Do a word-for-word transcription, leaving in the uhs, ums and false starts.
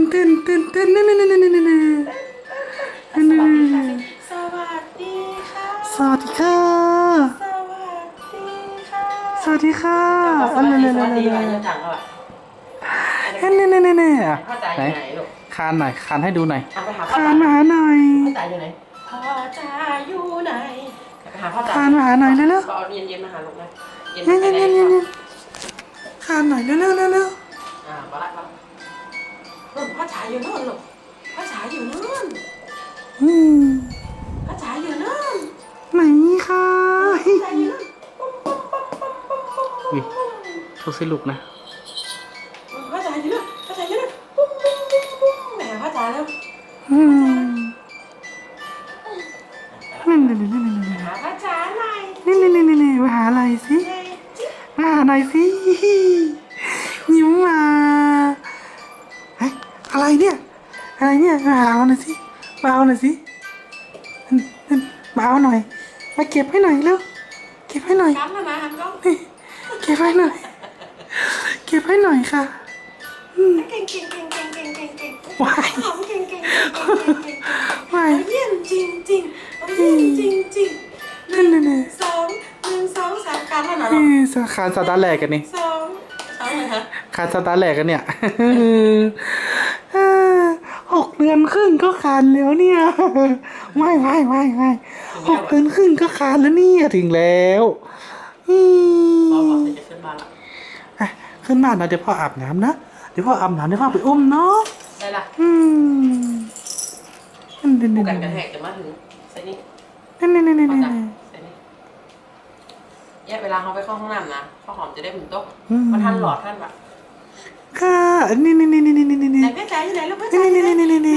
ตื่นตื่นตื่นนั่นนั่นนั่นนั่นนั่นนั่นนั่นสวัสดีค่ะสวัสดีค่ะสวัสดีค่ะสวัสดีค่ะอันนั้นนั่นนั่นนั่นนั่นนั่นนั่นไหนคานหน่อยคานให้ดูหน่อยคานมาหาหน่อยพ่อจ๋าอยู่ไหนพ่อจ๋าอยู่ไหนไปหาพ่อจ๋าคานมาหาหน่อยเร็วๆเย็นเย็นมาหาลูกนะเย็นเย็นเย็นเย็นคานหน่อยเร็วเร็วเร็วเร็วอ่ามาละมาพ่อจ๋าอยู่นู่นลูกพ่อจ๋าอยู่นู่นอืมพ่อจ๋าอยู่นู่นไหนคะพ่อจ๋าอยู่นู่นวิโชว์สิลูกนะพ่อจ๋าอยู่นู่นพ่อจ๋าอยู่นู่นปุ๊บปุ๊บปุ๊บปุ๊บแหมพ่อจ๋าแล้วอืมนั่นนั่นนั่นนั่นนั่นหาพ่อจ๋าหน่อยนี่นี่นี่นี่มาหาอะไรสิมาหาหน่อยสิยิ้มมาเฮ้ยอะไรเนี่ยอะไรเนี่ยมาหาหน่อยสิมาเอาหน่อยสิมาเอาหน่อยมาเก็บให้หน่อยเร็วเก็บให้หน่อยกันนะนะฮันก็เก็บให้หน่อยเก็บให้หน่อยค่ะเก่งเก่งเก่งเก่งเก่งเก่งเก่งวายหอมเก่งเก่งเก่งเก่งเก่งวายเยี่ยมจริงจริงเยี่ยมจริงจริงนั่นนั่นนั่นสองหนึ่งสองสามกันแล้วเหรอนี่สาขาสตาร์แหลกกันนี่สองสองเลยฮะขาสตาร์แหลกกันเนี่ยหกเดือนครึ่งก็คานแล้วเนี่ยไม่ไม่ไม่ไม่หกเดือนครึ่งก็คานแล้วเนี่ยถึงแล้วพ่อบอกจะขึ้นมาละขึ้นมานะเดี๋ยวพ่ออาบน้ำนะเดี๋ยวพ่ออาบน้ำเดี๋ยวพ่อไปอุ้มเนาะได้ละอืมกูกันกระแทกจะมาถึงใส่นี่นี่นี่นี่นี่นี่ใส่นี่แยกเวลาเขาไปเข้าห้องน้ำนะข้าวหอมจะได้หมุนโต๊ะมาทันหลอดท่านแบบค่ะนี่นี่นี่นี่นี่นี่ไหนแม่จ๋าอยู่ไหนลูกแม่จ๋าอยู่ไหน